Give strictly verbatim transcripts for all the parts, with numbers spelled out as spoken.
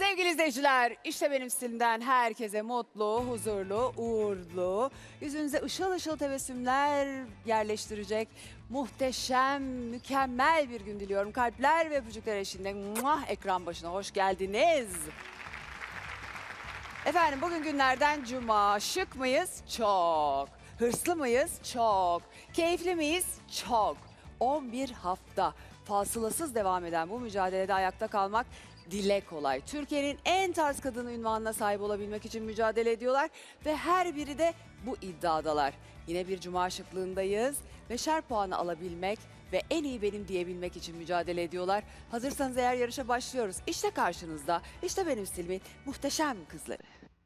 Sevgili izleyiciler, işte benim stilimden herkese mutlu, huzurlu, uğurlu, yüzünüze ışıl ışıl tebessümler yerleştirecek muhteşem, mükemmel bir gün diliyorum. Kalpler ve öpücükler eşliğinde muah, ekran başına hoş geldiniz. Efendim bugün günlerden cuma. Şık mıyız? Çok. Hırslı mıyız? Çok. Keyifli miyiz? Çok. on bir hafta fasılasız devam eden bu mücadelede ayakta kalmak dile kolay. Türkiye'nin en tarz kadını unvanına sahip olabilmek için mücadele ediyorlar ve her biri de bu iddiadalar. Yine bir cuma şıklığındayız. Beşer puanı alabilmek ve en iyi benim diyebilmek için mücadele ediyorlar. Hazırsanız eğer yarışa başlıyoruz. İşte karşınızda, işte benim stilimin muhteşem kızları.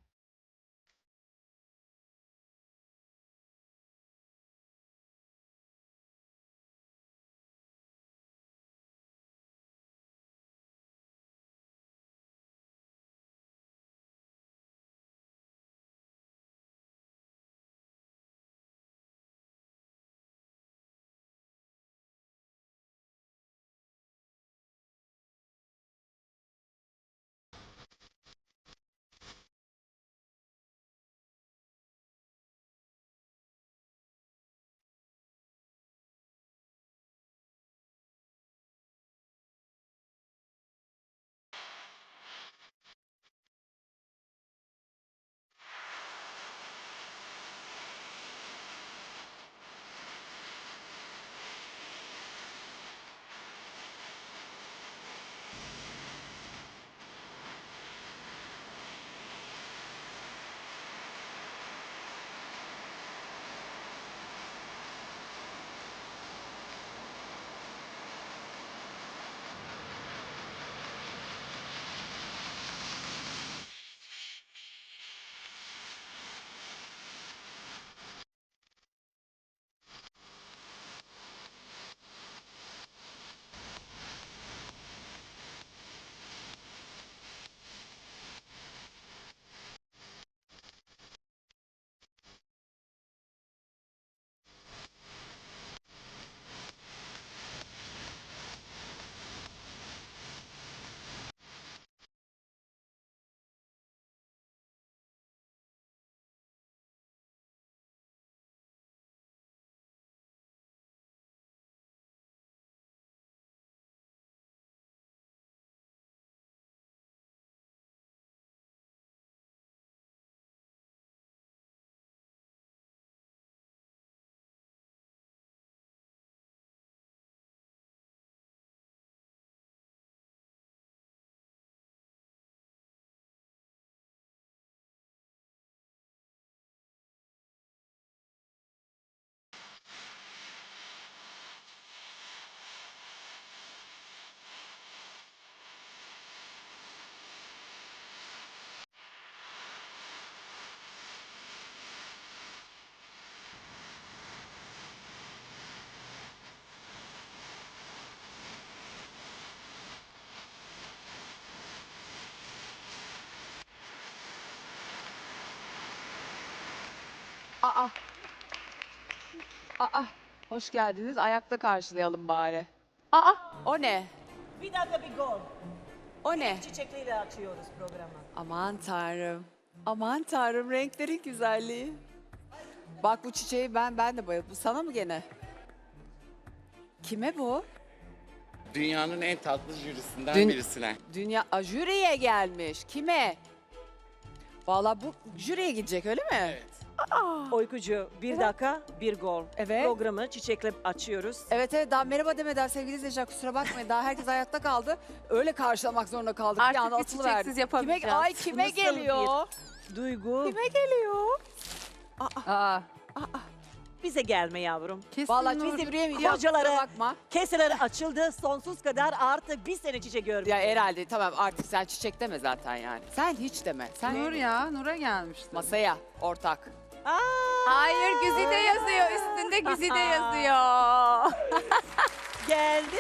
Aa, aa, hoş geldiniz. Ayakta karşılayalım bari. Aa, o ne? Bir dakika bir gol. O ne? Çiçekliyle açıyoruz programı. Aman tanrım. Aman tanrım, renklerin güzelliği. Bak bu çiçeği ben ben de bayıldım. Bu sana mı gene? Kime bu? Dünyanın en tatlı jürisinden Dün- birisine. Dünya Aa, jüriye gelmiş. Kime? Valla bu jüriye gidecek öyle mi? Evet. Oykucu bir dakika bir gol. Evet. Programı çiçekle açıyoruz. Evet evet, daha merhaba demeden sevgili izleyiciler, kusura bakmayın, daha herkes ayakta kaldı. Öyle karşılamak zorunda kaldık. Artık bir anda biz atılıverdik. çiçeksiz yapamayacağız. Kime, ay kime Nasıl geliyor? Duygu Kime geliyor? Aa, bize gelme yavrum. kesin Vallahi Nur. bizim yürüyemeyeceğim, kusura Kocaları bakma. keseleri açıldı sonsuz kadar artık bir sene çiçek görmüyor. Ya herhalde tamam, artık sen çiçek deme zaten yani. Sen hiç deme. Sen Nur ya, Nur'a gelmişti. masaya ortak. Aa, Hayır, Güzide yazıyor. Üstünde Güzide yazıyor. geldi.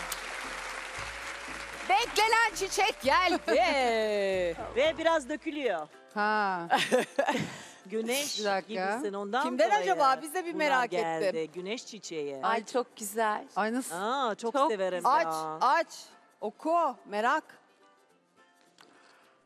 Beklenen çiçek geldi. Ve biraz dökülüyor. Ha. Güneş Bir dakika. gibisin ondan Kimden dolayı acaba? Biz de bir bunlar merak geldi. ettim. Güneş çiçeği. Ay çok güzel. Ay nasıl? Aa, çok, Çok severim Aç, ya. aç. Oku, merak.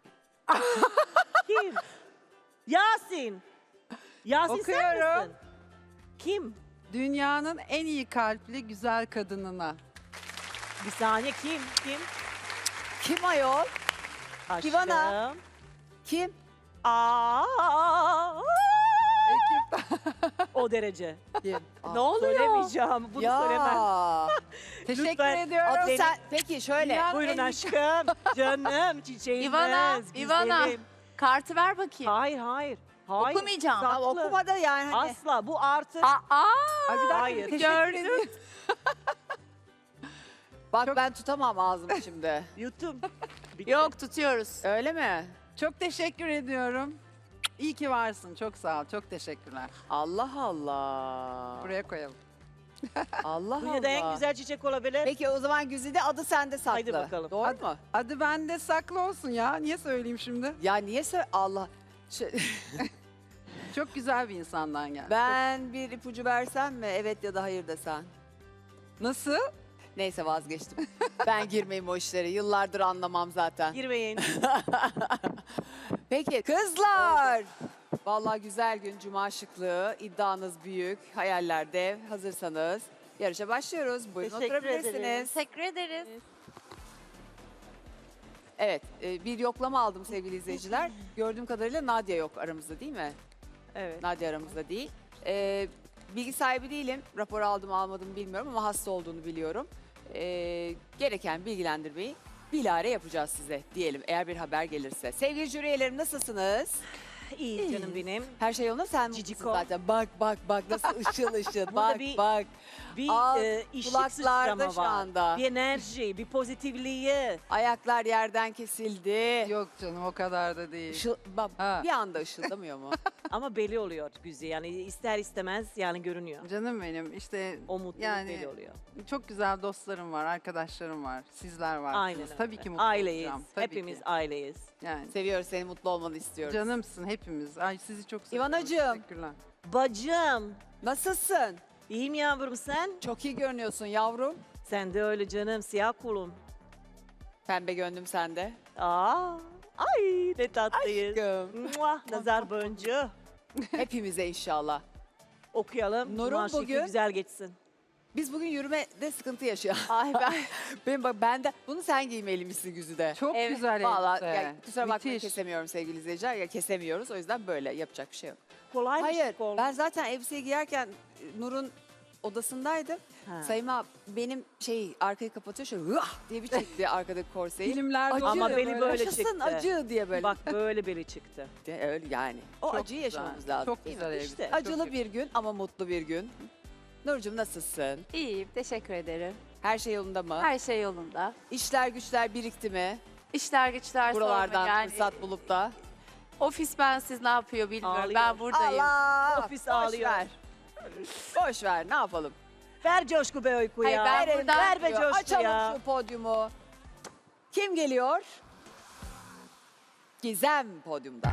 Kim? Yasin. Yasin sen Okuyorum. misin? Kim? Dünyanın en iyi kalpli güzel kadınına. Bir saniye kim? Kim? Kim ayol? Aşkım. Ivana. Kim? Aa, Ekip. o derece. Kim? Ne oluyor? Söylemeyeceğim. Bunu söylemem. Teşekkür Lütfen. ediyorum. Aa, Benim- sen, peki şöyle. Ya- Buyurun En iyi- aşkım. Canım, çiçeğimiz. İvana, İvana. güzelim. Kartı ver bakayım. Hayır, hayır. Hayır. Okumayacağım. Saklı. Tamam, okumadı yani. Hani. Asla. Bu artık. Aa, Ay, bir dakika, Hayır. teşekkür Gördüm. ediyorum. Bak Çok- ben tutamam ağzımı şimdi. Yuttum. Bitti. yok tutuyoruz. Öyle mi? Çok teşekkür ediyorum. İyi ki varsın. Çok sağ ol. Çok teşekkürler. Allah Allah. Buraya koyalım. Allah Dünyada en Allah. güzel çiçek olabilir. Peki o zaman Güzide adı sende saklı. Haydi bakalım. Doğru Hadi. mu? Adı bende saklı olsun ya. Niye söyleyeyim şimdi? Ya niye söyle Allah. Şey- Çok güzel bir insandan geldi. ben bir ipucu versem mi? Evet ya da hayır desen. Nasıl? Neyse vazgeçtim. Ben girmeyeyim o işlere. Yıllardır anlamam zaten. Girmeyin. Peki kızlar. Vallahi güzel gün cuma şıklığı. İddianız büyük. Hayaller dev. Hazırsanız yarışa başlıyoruz. Buyurun Teşekkür oturabilirsiniz. ederiz. Teşekkür ederiz. Evet e, bir yoklama aldım sevgili izleyiciler. Gördüğüm kadarıyla Nadia yok aramızda değil mi? Evet. Nadia aramızda değil. E, bilgi sahibi değilim. Rapor aldım almadım bilmiyorum ama hasta olduğunu biliyorum. E, gereken bilgilendirmeyi bilahare yapacağız size diyelim eğer bir haber gelirse. Sevgili jüri üyelerim nasılsınız? İyi canım benim. Her şey yolunda sen Ciciko. mutlusun zaten. Bak bak bak nasıl ışıl ışıl. Burada bak bir- bak. Bir Al, e, işlik kulaklarda sıçrama şu var. anda. Bir enerji, bir pozitifliği. Ayaklar yerden kesildi. Yok canım o kadar da değil. Işıl, bak, Ha. bir anda ışıldamıyor mu? Ama belli oluyor güzel. Yani ister istemez yani görünüyor. Canım benim işte O mutluluk Yani- belli oluyor. çok güzel dostlarım var, arkadaşlarım var, sizler var. Aynen öyle. Tabii ki mutlu Aileyiz. olacağım. Tabii Hepimiz ki. aileyiz. Yani Seviyoruz seni mutlu olmanı istiyoruz. canımsın hepimiz. Ay sizi çok seviyorum. İvanacığım. Teşekkürler. Bacım. Nasılsın? İyiyim yavrum sen? Çok iyi görünüyorsun yavrum. Sen de öyle canım. Siyah kulum. Pembe gönlüm sende. Aa, ay ne tatlıyız. Aşkım. Muah, nazar boncuğu. Hepimize inşallah. Okuyalım. Nur'un Cuma şekli bugün- güzel geçsin. Biz bugün yürümede sıkıntı yaşıyoruz. Ay ben. Benim bak ben de bunu sen giymeliymişsin Güzide. Çok Evet, güzel Vallahi elbise. ya, kusura bakmayın Müthiş. kesemiyorum sevgili izleyiciler. Ya kesemiyoruz o yüzden böyle yapacak bir şey yok. Kolay Hayır bir şey ben zaten elbiseyi giyerken e, Nur'un odasındaydım. Ha. Sayma benim şey arkayı kapatıyor şöyle hıah diye bir çekti arkadaki korseyi. Filmlerde Acı. Ama oluyor beni böyle Yaşasın çıktı. acı diye böyle. Bak böyle beli çıktı. De- öyle yani. O Çok acıyı güzel, yaşamamız lazım. Çok değil mi? güzel elbise. İşte. çok Acılı iyi. bir gün ama mutlu bir gün. Nurcuğum nasılsın? İyiyim. Teşekkür ederim. Her şey yolunda mı? Her şey yolunda. İşler güçler birikti mi? İşler güçler Buralardan sorma yani. fırsat bulup da. Ofis bensiz ne yapıyor bilmiyorum. Ağlıyor. Ben buradayım. Allah! Ofis Boş ağlıyor. ver. Boş ver ne yapalım? Ver coşku be uyku Hayır, ya. ben Verelim, buradan- Ver be diyor. coşku Açalım ya. şu podyumu. Kim geliyor? Gizem podyumda.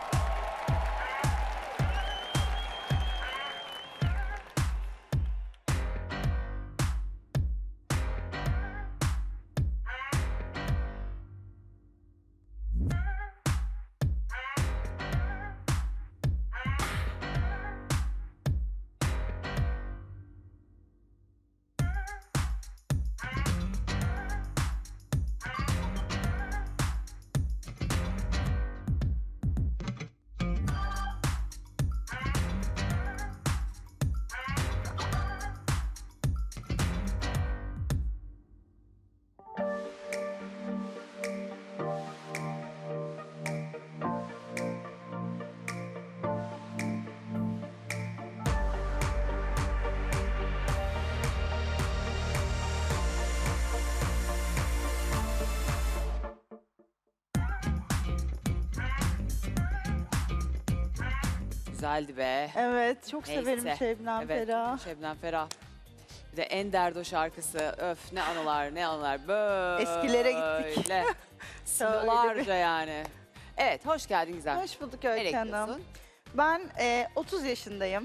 Güzeldi be. Evet, çok Neyse. severim Şebnem Evet, Ferah. Şebnem Ferah. Bir de Enderdo şarkısı. Öf ne anılar ne anılar. Böyle. Eskilere gittik. Yıllarca yani. Evet hoş geldin Gizem. Hoş bulduk Nereye Öykü Hanım. gidiyorsun? Ben e, otuz yaşındayım.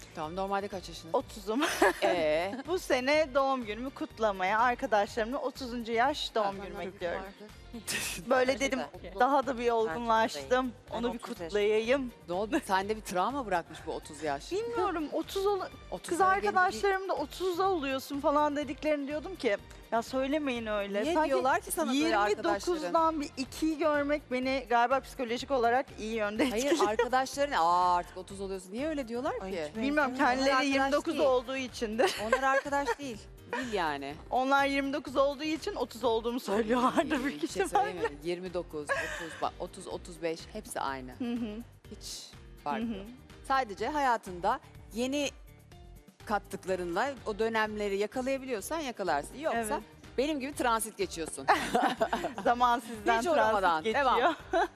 Tamam, normalde kaç yaşındasın? otuzum. Ee, Bu sene doğum günümü kutlamaya arkadaşlarımla otuzuncu yaş doğum Ha, günümü tamam. bekliyorum. Böyle dedim daha da bir olgunlaştım. Ben Onu bir otuz kutlayayım. ne oldu? Sende bir travma bırakmış bu otuz yaş. Bilmiyorum otuz ol otuzlara kız gelince bir- arkadaşlarım da otuzda oluyorsun falan dediklerini diyordum ki ya söylemeyin öyle. Niye Sanki diyorlar ki sana böyle arkadaşların? yirmi dokuzdan bir ikiyi görmek beni galiba psikolojik olarak iyi yönde etkiliyor. Hayır arkadaşların aa artık otuz oluyorsun. Niye öyle diyorlar ki? Bilmiyorum Onlar kendileri arkadaş yirmi dokuz değil. olduğu içindir. Onlar arkadaş değil. Değil yani. Onlar yirmi dokuz olduğu için otuz olduğumu söylüyorlardır Bir büyük şey ihtimalle. söyleyeyim mi? yirmi dokuz, otuz, bak otuz, otuz beş hepsi aynı. Hı hı, Hiç hı fark hı. yok. Sadece hayatında yeni kattıklarınla o dönemleri yakalayabiliyorsan yakalarsın. Yoksa Evet. benim gibi transit geçiyorsun. Zaman sizden Hiç uğramadan. transit geçiyor. Devam.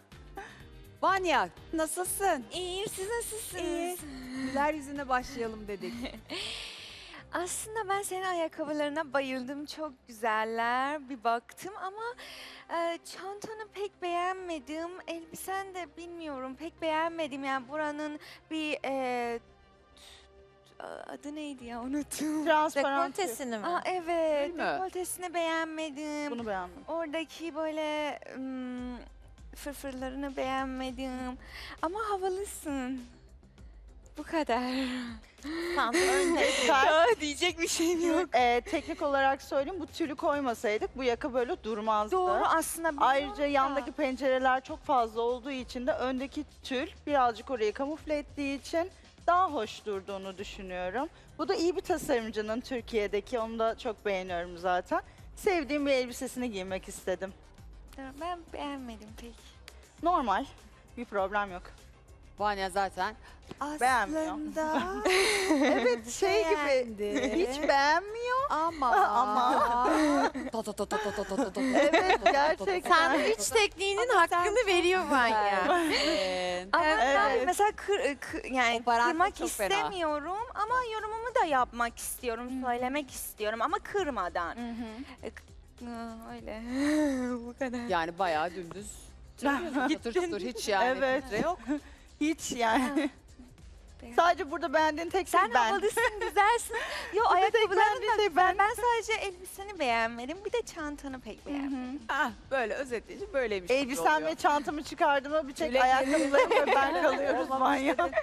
Vanya nasılsın? İyiyim, siz nasılsınız? İyi. Güler yüzüne başlayalım dedik. Aslında ben senin ayakkabılarına bayıldım. Çok güzeller. Bir baktım ama e, çantanı pek beğenmedim. Elbisen de bilmiyorum pek beğenmedim. Yani buranın bir e, adı neydi ya unuttum. Transparan. Dekoltesini mi? Aa, evet, mi? dekoltesini beğenmedim. Bunu beğendim. Oradaki böyle ım, fırfırlarını beğenmedim. Ama havalısın. Bu kadar. Tamam, önce Ben, Diyecek bir şeyim yok. e, teknik olarak söyleyeyim bu tülü koymasaydık bu yaka böyle durmazdı. Doğru aslında. biliyorum Ayrıca da. yandaki pencereler çok fazla olduğu için de öndeki tül birazcık orayı kamufle ettiği için daha hoş durduğunu düşünüyorum. Bu da iyi bir tasarımcının Türkiye'deki, onu da çok beğeniyorum zaten. Sevdiğim bir elbisesini giymek istedim. Ben beğenmedim pek. Normal, bir problem yok. Vanya zaten Beğenmiyor. aslında Evet şey gibi beğendi. hiç beğenmiyor. Ama. Ama. Ta ta ta ta ta ta ta ta ta. Evet gerçekten. Sandviç tekniğinin hakkını veriyor Vanya. Evet. Ama ben Evet. mesela kır, kı- yani O parantez kırmak çok fena. istemiyorum ama yorumumu da yapmak istiyorum, söylemek istiyorum ama kırmadan. E, k- Aa, öyle. Bu kadar. Yani bayağı dümdüz. Çatır çutur hiç yani Evet. filtre yok. Hiç yani. Sadece burada beğendiğin tek şey Sen ben. havalısın, güzelsin. Yo tek ayakkabıların beğendiğin da şey güzel. ben. Ben sadece elbiseni beğenmedim. Bir de çantanı pek beğenmedim. Ah böyle özetleyince böyleymiş. gibi Elbisem oluyor. ve çantamı çıkardığıma bir tek Tüle ayakkabılarım ve ben kalıyoruz Olmamış manyak. dedi.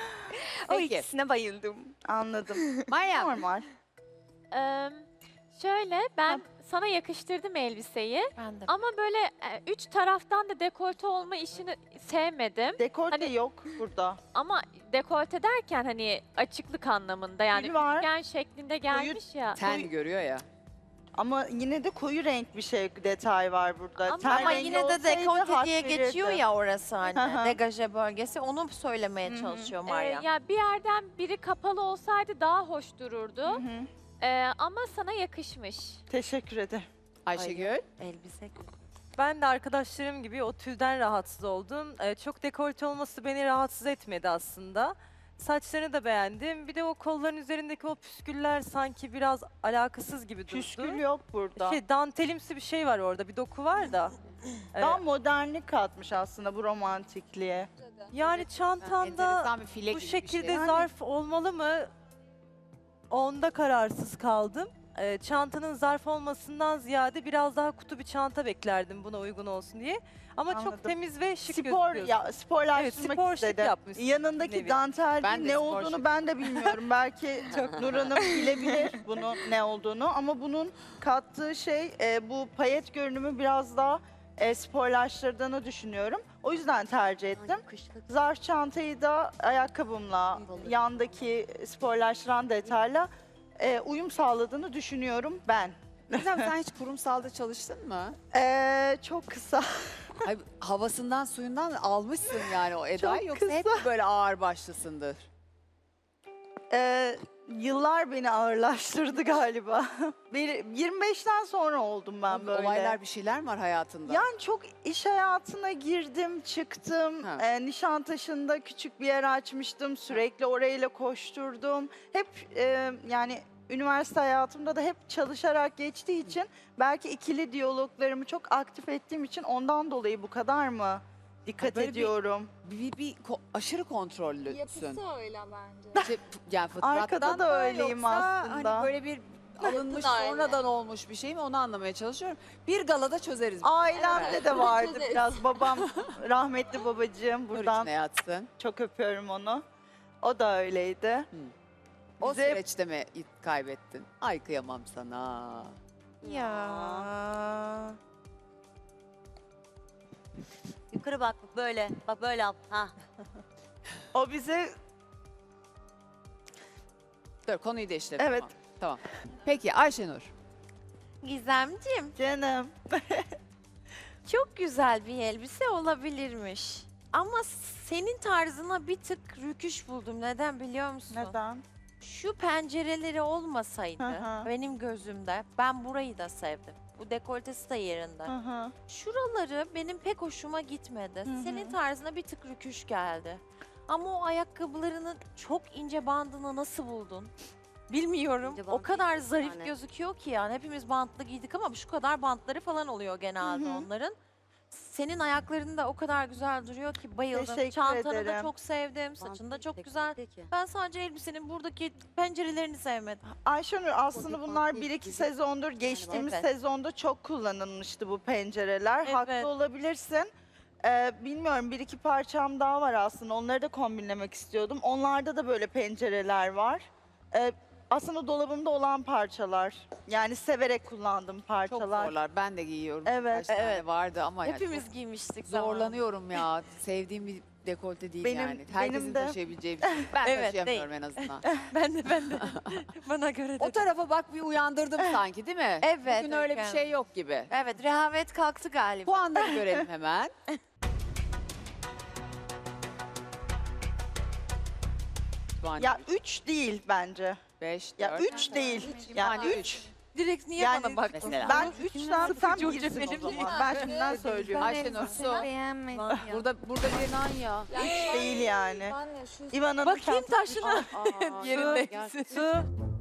O Peki. ikisine bayıldım. Anladım. Maya. Normal. Eee, şöyle ben sana yakıştırdım elbiseyi ben de. ama böyle e, üç taraftan da dekolte olma işini sevmedim. Dekolte Hani- yok burada. Ama dekolte derken hani açıklık anlamında yani Tül var. üçgen şeklinde gelmiş ya. Ten görüyor ya. Ama yine de koyu renk bir şey detay var burada. Ama- Ten Ama rengi yine de olsaydı dekolte hak diye geçiyor verirdi. ya orası Hı hani. hı. Degaje bölgesi. Onu söylemeye Hı hı. çalışıyor Eee, Maria. ya bir yerden biri kapalı olsaydı daha hoş Hı dururdu. hı. Eee, ama sana yakışmış. Teşekkür ederim. Ayşegül. Elbise. Ben de arkadaşlarım gibi o tülden rahatsız oldum. Ee, çok dekolte olması beni rahatsız etmedi aslında. Saçlarını da beğendim. Bir de o kolların üzerindeki o püsküller sanki biraz alakasız gibi durdu. Püskül yok burada. Şey, dantelimsi bir şey var orada, bir doku var da. Ee, Daha modernlik katmış aslında bu romantikliğe. yani çantanda Enteresan bir file bu gibi bir şekilde şey. zarf olmalı mı? Onda kararsız kaldım. Ee, çantanın zarf olmasından ziyade biraz daha kutu bir çanta beklerdim buna uygun olsun diye. Ama Anladım. çok temiz ve şık Spor gözüküyorsun. ya sporlaştırmak Evet, spor şık istedim. yapmışsın Yanındaki nevi. dantel Ben de ne spor olduğunu şık. ben de bilmiyorum. Belki Nur Hanım bilebilir bunun ne olduğunu ama bunun kattığı şey e, bu payet görünümü biraz daha e, sporlaştırdığını düşünüyorum. O yüzden tercih ettim. Zarf çantayı da ayakkabımla, yandaki sporlaştıran detayla e, uyum sağladığını düşünüyorum ben. Gizem sen hiç kurumsalda çalıştın mı? E, çok kısa. Ay, havasından suyundan almışsın yani o Eda'yı Çok yoksa hep kısa. böyle ağır başlısındır. Ee, yıllar beni ağırlaştırdı galiba. Bir- yirmi beşten sonra oldum ben böyle. Olaylar bir şeyler mi var hayatında? Yani çok iş hayatına girdim, çıktım. Ha. Ee, Nişantaşı'nda küçük bir yer açmıştım. Sürekli orayla koşturdum. Hep e, yani üniversite hayatımda da hep çalışarak geçtiği için belki ikili diyaloglarımı çok aktif ettiğim için ondan dolayı bu kadar mı Dikkat Böyle bir- ediyorum. Bir, bir ko- aşırı kontrollüsün. öyle bence. Şey, yani fıtrattan Arkada da mı öyleyim yoksa aslında. Hani böyle bir alınmış da öyle. sonradan olmuş bir şey mi onu anlamaya çalışıyorum. Bir galada çözeriz. Ailemde de vardı biraz. Babam, rahmetli babacığım Nur buradan içine yatsın. çok öpüyorum onu. O da öyleydi. O Bize- süreçte mi kaybettin? Ay kıyamam sana. Ya. Yukarı bak böyle. Bak böyle yap. Ha. O bize Dur konuyu değiştirelim. Evet. Tamam. Tamam. Peki Ayşenur. Gizemciğim, canım. çok güzel bir elbise olabilirmiş. Ama senin tarzına bir tık rüküş buldum. Neden biliyor musun? Neden? Şu pencereleri olmasaydı Hı hı. benim gözümde ben burayı da sevdim. Bu dekoltesi de yerinde. Hı hı. Şuraları benim pek hoşuma gitmedi. hı. Senin tarzına bir tık rüküş geldi. Ama o ayakkabılarının çok ince bandını nasıl buldun? Bilmiyorum. İnce O bant kadar değil, bir zarif tane. gözüküyor ki yani. Hepimiz bantlı giydik ama şu kadar bantları falan oluyor genelde Hı hı. onların. Senin ayakların da o kadar güzel duruyor ki bayıldım. Teşekkür Çantanı da ederim. çok sevdim. Saçın da çok güzel. Ben sadece elbisenin buradaki pencerelerini sevmedim. Ayşenur aslında bunlar bir iki sezondur, geçtiğimiz Evet. sezonda çok kullanılmıştı bu pencereler. Evet. Haklı olabilirsin. Ee, bilmiyorum bir iki parçam daha var aslında. Onları da kombinlemek istiyordum. Onlarda da böyle pencereler var. Ee, aslında dolabımda olan parçalar. Yani severek kullandığım Çok parçalar. zorlar. Ben de giyiyorum. Evet, Kaç tane evet. vardı ama yani Hepimiz çok giymiştik zamanında. zorlanıyorum ya. Sevdiğim bir dekolte değil Benim- yani. Herkesin benim de- taşıyabileceği bir şey. Ben Evet, taşıyamıyorum en azından. Ben de ben de. Bana göre de. O tarafa bak bir uyandırdım sanki değil mi? Evet, Bugün öyle bir Öykü şey yok gibi. Evet, rehavet kalktı galiba. Puanları görelim hemen. Ya üç değil bence. beş, Ya dört, üç değil. yani Yani üç. Direkt niye Yani bana baktın? mesela. Ben üçten sen Sıkıcı birsin o benim zaman. değil. Ben şimdiden söylüyorum. Ayşenur su. Beğenmedim. Burada burada bir ya. Üç değil yani. İvan'ın Bakayım çantası- taşına. Yerinde. Su.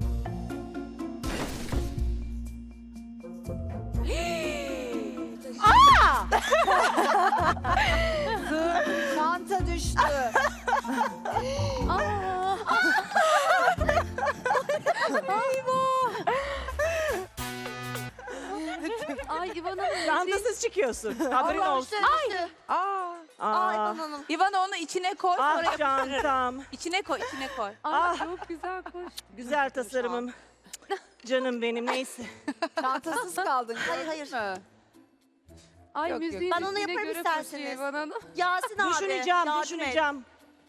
Çanta düştü. Ay İvan Hanım. Çantasız çıkıyorsun. Haberin olsun. Aa. Aa, İvan onu içine koy sonra ah yap- çantam. içine koy içine koy. Ay Ah. çok güzel koş. Güzel tasarımım. Canım benim neyse. Çantasız kaldın. Hayır, gördün hayır. mü? Ay Yok, yok. müziğin Ben onu ritmine yaparım göre isterseniz. koşuyor İvan Hanım. Yasin abi. Düşüneceğim, yardım et. düşüneceğim.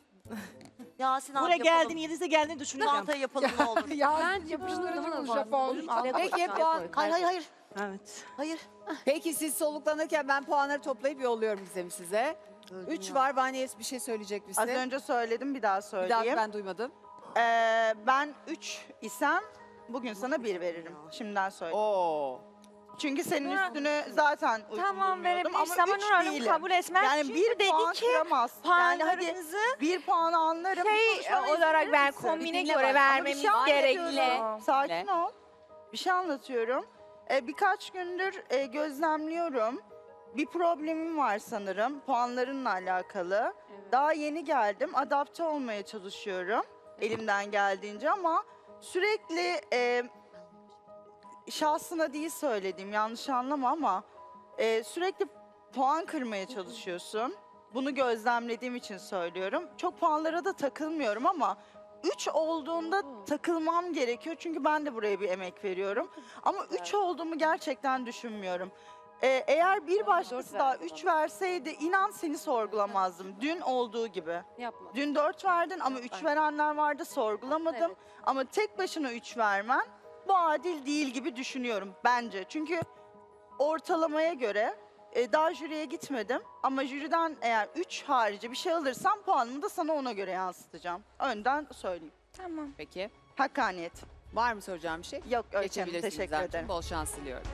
Yasin abi Buraya yapalım. geldin, yedisi geldin düşüneceğim. Çantayı yapalım ne olur. Ben yapıştırdım Japon. Peki puan. Hayır hayır hayır. Evet. Hayır. Peki siz soluklanırken ben puanları toplayıp yolluyorum Gizem size. Üç var. Vaniyes bir şey söyleyecek misin? Az önce söyledim bir daha Bir söyleyeyim. daha ben duymadım. Ee, ben üç isem bugün sana bir veririm. Şimdiden söyleyeyim. Oo. Çünkü senin üstünü zaten uygun Tamam bulmuyordum ama verebilirsin ama üç Nur Hanım değilim. kabul etmez. Yani Çünkü bir dedi puan ki kıramaz. Yani hadi puanlarınızı bir puan anlarım. şey Konuşmama izin olarak verir ben misin? kombine Bir dinle göre bak. Ama bir vermemiz şey anlatıyorum. gerekli. Sakin ol. Bir şey anlatıyorum. Ee, birkaç gündür e, gözlemliyorum. Bir problemim var sanırım puanlarınla alakalı. Daha yeni geldim. Adapte olmaya çalışıyorum. Elimden geldiğince ama sürekli e, şahsına değil söylediğim yanlış anlama ama e, sürekli puan kırmaya çalışıyorsun. Bunu gözlemlediğim için söylüyorum. Çok puanlara da takılmıyorum ama üç olduğunda takılmam gerekiyor. Çünkü ben de buraya bir emek veriyorum. Ama üç olduğumu gerçekten düşünmüyorum. Ee, eğer bir başkası daha üç verseydi inan seni sorgulamazdım. Dün olduğu gibi. Yapma. Dün dört verdin ama üç verenler vardı sorgulamadım. Evet. Ama tek başına üç vermen bu adil değil gibi düşünüyorum bence. Çünkü ortalamaya göre e, daha jüriye gitmedim. Ama jüriden eğer üç harici bir şey alırsam puanımı da sana ona göre yansıtacağım. Önden söyleyeyim. Tamam. Peki. Hakkaniyet. Var mı soracağım bir şey? Yok Öykü Hanım, Geçebilirsiniz teşekkür Gizemciğim. ederim. Bol şans diliyorum.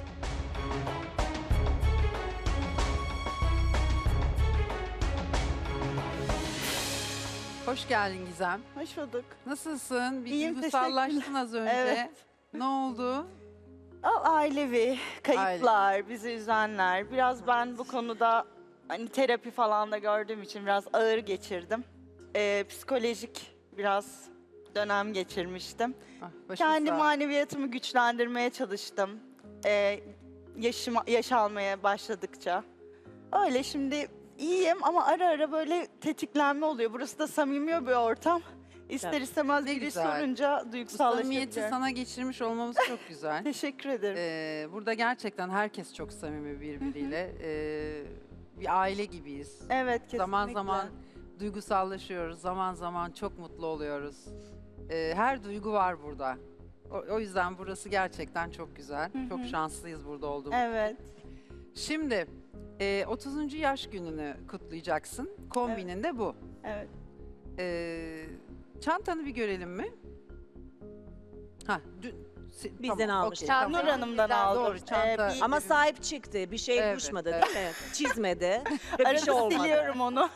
Hoş geldin Gizem. Hoş bulduk. Nasılsın? Bir İyiyim, duygusallaştın az önce. Evet. Ne oldu? Al ailevi, kayıplar, bizi üzenler. Biraz ben bu konuda hani terapi falan da gördüğüm için biraz ağır geçirdim. Ee, psikolojik biraz dönem geçirmiştim. Ah, başın Kendi sağ. maneviyatımı güçlendirmeye çalıştım. Ee, yaşıma, yaş almaya başladıkça. Öyle şimdi iyiyim ama ara ara böyle tetiklenme oluyor. Burası da samimi bir ortam. İster Evet. istemez Ne biri güzel. sorunca Bu samimiyeti duygusallaşabiliyorum. sana geçirmiş olmamız çok güzel. Teşekkür ederim. Ee, burada gerçekten herkes çok samimi birbiriyle. Ee, bir aile gibiyiz. Evet, kesinlikle. Zaman zaman duygusallaşıyoruz, zaman zaman çok mutlu oluyoruz. Ee, her duygu var burada. O, o yüzden burası gerçekten çok güzel. Hı Çok hı. şanslıyız burada olduğumuz. Evet. Şimdi e, otuzuncu yaş gününü kutlayacaksın. Kombinin de bu. Evet. Ee, çantanı bir görelim mi? Ha, dün, si- Bizden tamam, almış. okey, Çanta- tamam. Nur Hanım'dan aldım. Doğru, çanta. Ee, bir- Ama sahip çıktı. Bir şey Evet, düşmedi evet. değil mi? Çizmedi. Ve bir Arada şey olmadı. siliyorum onu.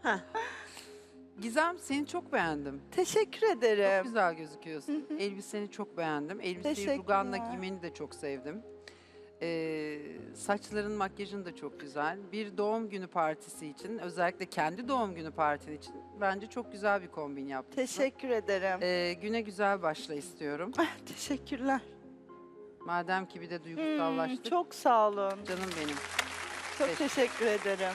Gizem, seni çok beğendim. Teşekkür Çok ederim. güzel gözüküyorsun. Elbiseni çok beğendim. Elbiseyi Teşekkürler. ruganla giymeni de çok sevdim. Ee, saçların, makyajın da çok güzel. Bir doğum günü partisi için, özellikle kendi doğum günü partin için bence çok güzel bir kombin yaptın. Teşekkür ederim. Ee, güne güzel başla istiyorum. Teşekkürler. Madem ki bir de Hmm, duygusallaştık. çok sağ olun. Canım benim. Çok Teşekkür- teşekkür ederim.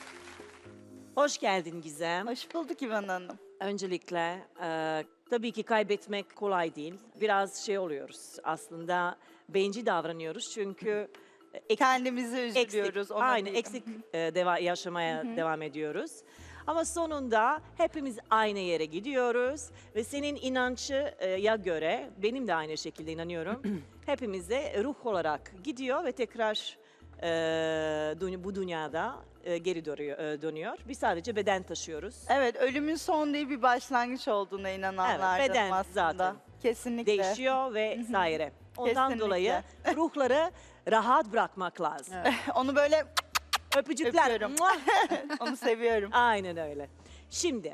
Hoş geldin Gizem. Hoş bulduk İvan Hanım. Öncelikle e, tabii ki kaybetmek kolay değil. Biraz şey oluyoruz aslında bencil davranıyoruz çünkü eksik, Kendimizi eksik, üzülüyoruz. ona aynı değil. eksik e, deva, yaşamaya devam ediyoruz. Ama sonunda hepimiz aynı yere gidiyoruz ve senin inancıya göre benim de aynı şekilde inanıyorum. Hepimize ruh olarak gidiyor ve tekrar e, dü- bu dünyada e, geri dönüyor, e, dönüyor. Biz sadece beden taşıyoruz. Evet, ölümün son değil bir başlangıç olduğuna inananlardanım beden aslında. zaten Kesinlikle. Değişiyor ve saire. Ondan Kesinlikle. dolayı ruhları rahat bırakmak lazım. Onu böyle Öpücükler. Öpüyorum. Muah! onu seviyorum. Aynen öyle. Şimdi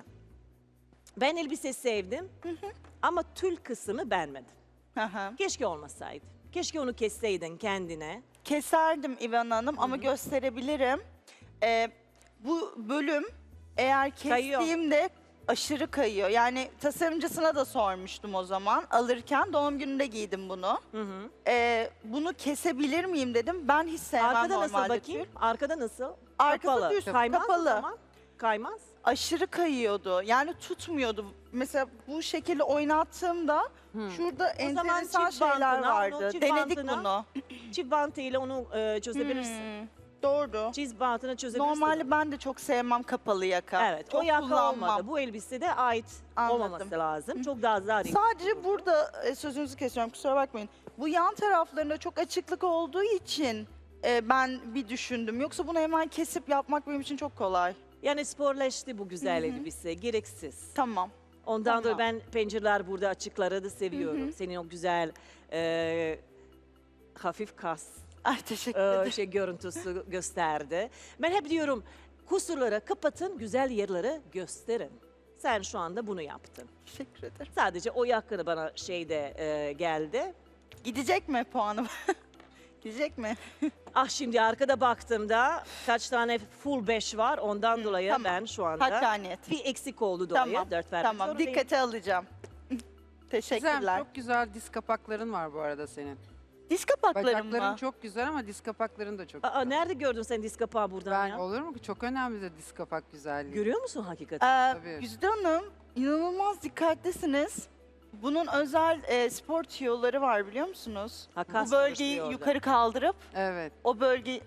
ben elbise sevdim ama tül kısmı beğenmedim. Aha. Keşke olmasaydı. Keşke onu kesseydin kendine. Keserdim İvan Hanım ama gösterebilirim. Ee, bu bölüm eğer Kayıyor. kestiğimde aşırı kayıyor. Yani tasarımcısına da sormuştum o zaman. Alırken doğum gününde giydim bunu. Hı hı. Ee, bunu kesebilir miyim dedim. Ben hiç sevmem Arkada nasıl normalde bakayım? tül. Arkada nasıl? Arkası Kapalı. düz, Kaymaz o kapalı. zaman. Kaymaz. Aşırı kayıyordu. Yani tutmuyordu. Mesela bu şekilde oynattığımda şurada O zaman enteresan çift şeyler bantına, vardı. onu çift Denedik bantına bunu. Çift bantıyla onu e, çözebilirsin. Hmm, doğru. Çift bantını çözebilirsin. Normalde ben de çok sevmem kapalı yaka. Evet, çok o yaka kullanmam. olmadı. Bu elbisede ait Anladım. olmaması lazım. Çok daha zarif. Sadece burada e, sözünüzü kesiyorum kusura bakmayın. Bu yan taraflarında çok açıklık olduğu için e, ben bir düşündüm. Yoksa bunu hemen kesip yapmak benim için çok kolay. Yani sporlaştı bu güzel Hı hı. elbise, gereksiz. Tamam. Ondan Tamam. dolayı ben pencereler burada açıkları da seviyorum. Senin o güzel e, hafif kas Ay teşekkür e, ederim. şey görüntüsü gösterdi. Ben hep diyorum kusurları kapatın, güzel yerleri gösterin. Sen şu anda bunu yaptın. Teşekkür ederim. Sadece o yakını bana şeyde e, geldi. Gidecek mi puanım? Gidecek mi? Ah şimdi arkada baktığımda kaç tane full beş var ondan dolayı tamam. ben şu anda Hakkaniyet. bir eksik oldu dolayı Tamam, dört vermek Tamam zorundayım. dikkate alacağım. Teşekkürler. Gizem, çok güzel diz kapakların var bu arada senin. Diz kapaklarım Bacakların mı? çok güzel ama diz kapakların da çok Aa, güzel. nerede gördün sen diz kapağı buradan Ben ya? olur mu ki? Çok önemli de diz kapak güzelliği. Görüyor musun hakikaten? Ee, Tabii. Güzide Hanım inanılmaz dikkatlisiniz. Bunun özel e, spor tüyoları var biliyor musunuz? Ha, kas Bu bölgeyi çalıştırıyor orada. yukarı kaldırıp Evet. o bölge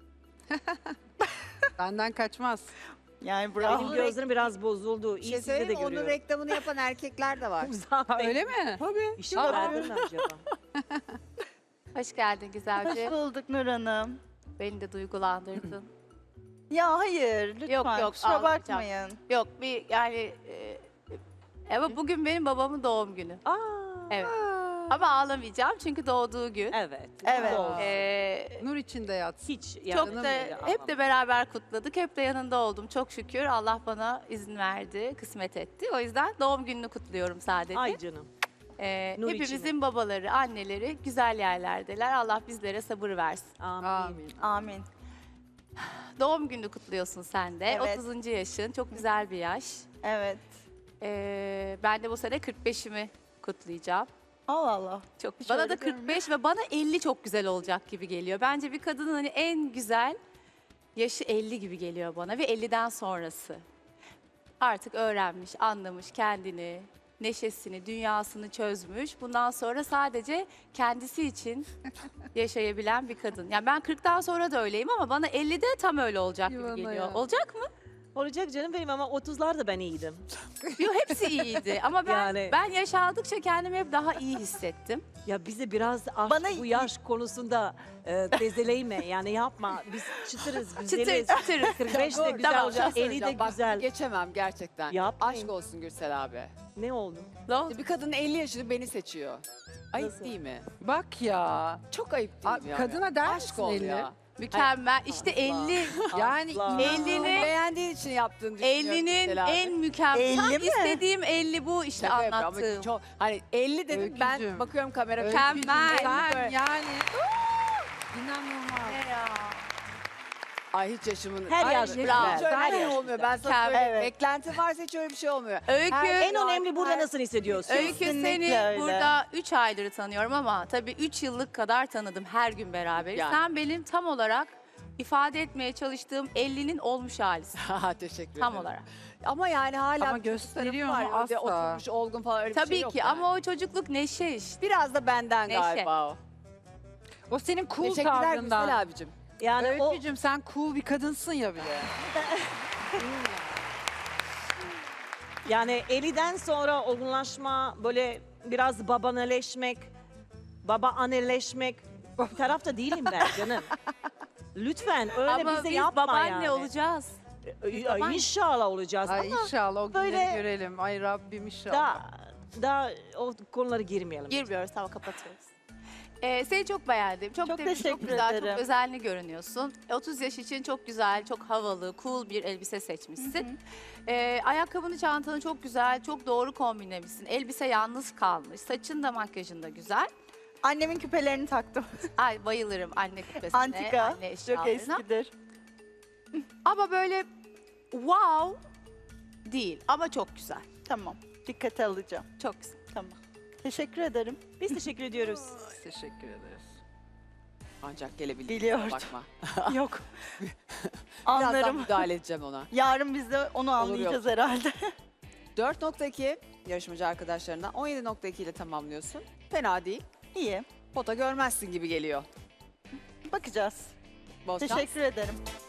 Benden kaçmaz. yani Benim bravo. gözlerim biraz bozuldu. Bir İyi şey sizde de söyleyeyim mi? Onun görüyorum. reklamını yapan erkekler de var. Uzak Ha, Bey, öyle mi? Tabii. Bir şey verdin mi acaba? Hoş geldin Hoş güzelce. bulduk Nur Hanım. Beni de duygulandırdın. Ya hayır lütfen Yok, yok, kusura ağlayacağım. bakmayın. Yok bir yani e, ama bugün benim babamın doğum günü. Aa, Evet. Ama ağlamayacağım çünkü doğduğu gün. evet. Evet. Doğru. Ee, Nur içinde yatsın. Hiç çok yanına da bile hep de beraber kutladık. Hep de yanında oldum. Çok şükür Allah bana izin verdi, kısmet etti. O yüzden doğum gününü kutluyorum sadece. Ay canım. Ee, Nur hepimizin içine. babaları, anneleri güzel yerlerdeler. Allah bizlere sabır versin. Amin. Amin. Amin. doğum gününü kutluyorsun sen de. Evet. otuzuncu yaşın, çok güzel bir yaş. Evet. Ee, ben de bu sene kırk beşimi kutlayacağım. Allah Allah. Çok. Hiç Bana öyle da kırk beş görünmüyor. ve bana elli çok güzel olacak gibi geliyor. Bence bir kadının hani en güzel yaşı elli gibi geliyor bana ve elliden sonrası. Artık öğrenmiş, anlamış kendini, neşesini, dünyasını çözmüş. Bundan sonra sadece kendisi için yaşayabilen bir kadın. Yani ben kırktan sonra da öyleyim ama bana ellide tam öyle olacak Yuvana gibi geliyor. ya. Olacak mı? Olacak canım benim ama otuzlarda ben iyiydim. Yok, hepsi iyiydi ama ben Yani- ben yaş aldıkça kendimi hep daha iyi hissettim. Ya bize biraz aşk, Bana- bu yaş konusunda e, tezeleyme yani yapma. Biz çıtırız, güzeliz. Çıtır çıtır. kırk beş de güzel Tamam, olacak, şey elli de söyleyeceğim. Bak, güzel. geçemem gerçekten. Yapmayın. Aşk olsun Gürsel abi. Ne oldu? Ne oldu? Bir kadın elli yaşında beni seçiyor. Ayıp Nasıl? değil mi? Bak ya. Çok ayıp Aa, değil mi? ya? kadına der Aşk misin ol elli? ya. Mükemmel. İşte elli. Yani Asla. Ellini- Beğendiğin için yaptığını düşünüyorum. ellinin Gürsel abi. en mükemmel. Tam elli mi? istediğim elli bu işte Şaka yapıyorum ama anlattığım. Çok, hani elli dedim ben Öykücüğüm. bakıyorum kamera. Mükemmel. sen böyle- yani inanılmaz. Ne ya? Ay hiç yaşımın. Her Ay, yaş hiç güzel. öyle Her bir şey yaş olmuyor. güzel. Ben sana Mükemmel. söyleyeyim. Evet. Beklenti varsa hiç öyle bir şey olmuyor. Öykü, Her- En önemli burada nasıl hissediyorsun? Öykü Kesinlikle seni öyle. burada üç aydır tanıyorum ama tabii üç yıllık kadar tanıdım her gün beraber. Yani. Sen benim tam olarak ifade etmeye çalıştığım ellinin olmuş halisin. Ha, teşekkür ederim. Tam olarak. Ama yani hala Ama bir çocuk gösteriyor tarafı mu? var. Öyle Asla. Oturmuş, olgun falan öyle bir Tabii şey yok ki yani. ama o çocukluk neşe işte. Biraz da benden Neşe. galiba o. O senin cool Teşekkürler tavrından. Gürsel abicim. Yani o Öykücüğüm sen cool bir kadınsın ya bir de. yani elliden sonra olgunlaşma, böyle biraz babaneleşmek, baba anneleşmek bir tarafta değilim ben canım. Lütfen öyle ama bize biz yapma babaanne yani. olacağız. Ee, babaanne. İnşallah olacağız Ay ama inşallah o günleri böyle- görelim. Ay Rabbim inşallah. daha, daha o konulara girmeyelim. Girmiyoruz, tamam kapatıyoruz. Ee, seni çok beğendim. Çok, Çok temiz, çok teşekkür güzel, ederim. çok özenli görünüyorsun. E, otuz yaş için çok güzel, çok havalı, cool bir elbise seçmişsin. Ee, ayakkabını, çantanı çok güzel, çok doğru kombinlemişsin. Elbise yalnız kalmış. Saçın da makyajın da güzel. Annemin küpelerini taktım. Ay bayılırım anne küpesine, Antika. anne Çok eşyalarına. eskidir. Ama böyle wow değil ama çok güzel. Tamam. Dikkate alacağım. Çok güzel. Tamam. Teşekkür ederim. Biz teşekkür ediyoruz. Teşekkür ederiz. Ancak gelebildim. Biliyordum. Bakma. Yok. Birazdan Anlarım. müdahale edeceğim ona. Yarın biz de onu anlayacağız herhalde. dört nokta iki yarışmacı arkadaşlarından on yedi nokta iki ile tamamlıyorsun. Fena değil. İyi. Pota görmezsin gibi geliyor. Bakacağız. Bol şans. Teşekkür ederim.